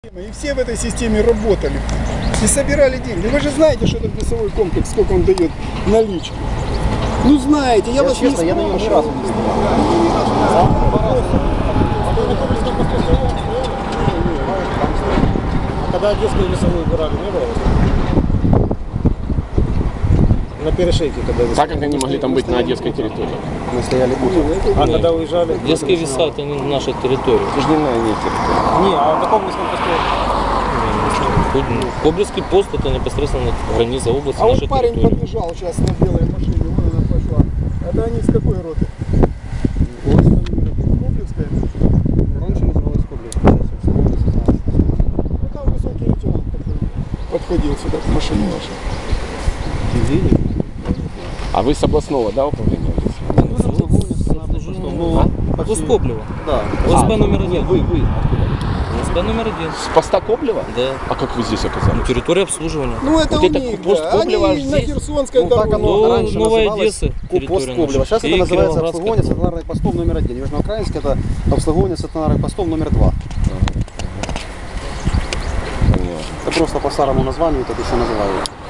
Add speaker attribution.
Speaker 1: И все в этой системе работали и собирали деньги. Вы же знаете, что этот весовой комплекс, сколько он дает налички. Ну знаете, я вас
Speaker 2: честно,
Speaker 1: не
Speaker 2: я на него ни разу не Когда Одесскую весовую убирали, не было? На перешейке, когда
Speaker 3: Так как они могли там быть на одесской территории?
Speaker 2: мы стояли утром. А когда уезжали?
Speaker 4: Детские веса это не наша территория.
Speaker 3: Это же не на ней территории.
Speaker 2: Не, а на Коблинском посту?
Speaker 4: Коблинский пост это непосредственно граница области
Speaker 1: А вот
Speaker 4: нашей
Speaker 1: парень
Speaker 4: территории.
Speaker 1: подбежал сейчас на белой машине, вон она пошла. Это они с какой роты? Коблевская?
Speaker 2: Раньше называлась Коблинская, сейчас
Speaker 1: Ну там высокий лейтенант такой подходил сюда к машине вашей.
Speaker 3: А вы с областного, да, управления?
Speaker 4: Пост Коблева.
Speaker 2: Да.
Speaker 4: ОСБ номер 1.
Speaker 2: Вы.
Speaker 4: ОСБ номер 1.
Speaker 3: С поста Коблева?
Speaker 4: Да.
Speaker 3: А как вы здесь оказались?
Speaker 4: Территория обслуживания.
Speaker 1: Ну это
Speaker 3: Вот
Speaker 1: у
Speaker 3: это
Speaker 1: них,
Speaker 3: пост
Speaker 1: да.
Speaker 3: Коблева
Speaker 1: Они
Speaker 3: аж
Speaker 1: на
Speaker 3: здесь?
Speaker 1: Херсонской
Speaker 2: Ну, так
Speaker 1: дороге.
Speaker 2: оно
Speaker 4: Ну,
Speaker 2: раньше
Speaker 4: Новая
Speaker 2: называлось
Speaker 4: Одесса,
Speaker 2: пост
Speaker 4: территория
Speaker 2: Коблева.
Speaker 4: наша.
Speaker 2: Сейчас это
Speaker 4: И
Speaker 2: называется
Speaker 4: Кировоградская.
Speaker 2: обслуговывание стационарных постов номер 1. Южноукраинск это обслуговывание стационарных постов номер 2.
Speaker 3: Понятно.
Speaker 2: Это просто по старому названию так еще называют.